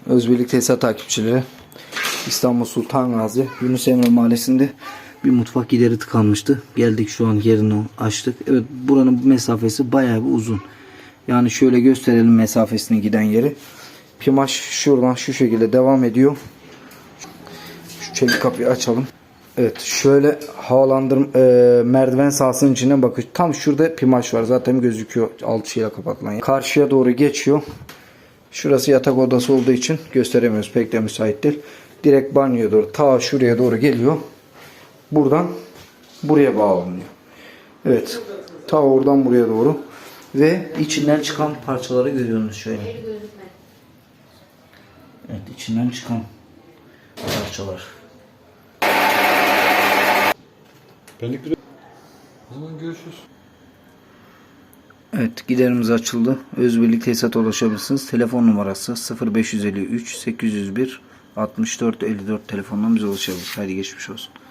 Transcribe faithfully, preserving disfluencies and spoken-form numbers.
Özbirlik Tesisat takipçileri, İstanbul Sultan Gazi Yunus Emre Mahallesi'nde bir mutfak gideri tıkanmıştı. Geldik, şu an yerini açtık. Evet, buranın mesafesi bayağı bir uzun. Yani şöyle gösterelim mesafesine giden yeri. Pimaş şuradan şu şekilde devam ediyor. Şu çelik kapıyı açalım. Evet, şöyle havalandırma e, merdiven sahasının içine bakış. Tam şurada pimaş var. Zaten gözüküyor alçıyla kapatılan. Karşıya doğru geçiyor. Şurası yatak odası olduğu için gösteremiyoruz. Pek de müsait değil. Direkt banyoya doğru, ta şuraya doğru geliyor. Buradan buraya bağlanıyor. Evet. Ta oradan buraya doğru. Ve içinden çıkan parçaları görüyorsunuz şöyle. Evet, içinden çıkan parçalar. Benlik bir... O zaman görüşürüz. Evet, giderimiz açıldı. Özbirlik Tesisat'a ulaşabilirsiniz. Telefon numarası sıfır beş elli üç sekiz yüz bir altmış dört elli dört telefondan bize ulaşabilirsiniz. Haydi geçmiş olsun.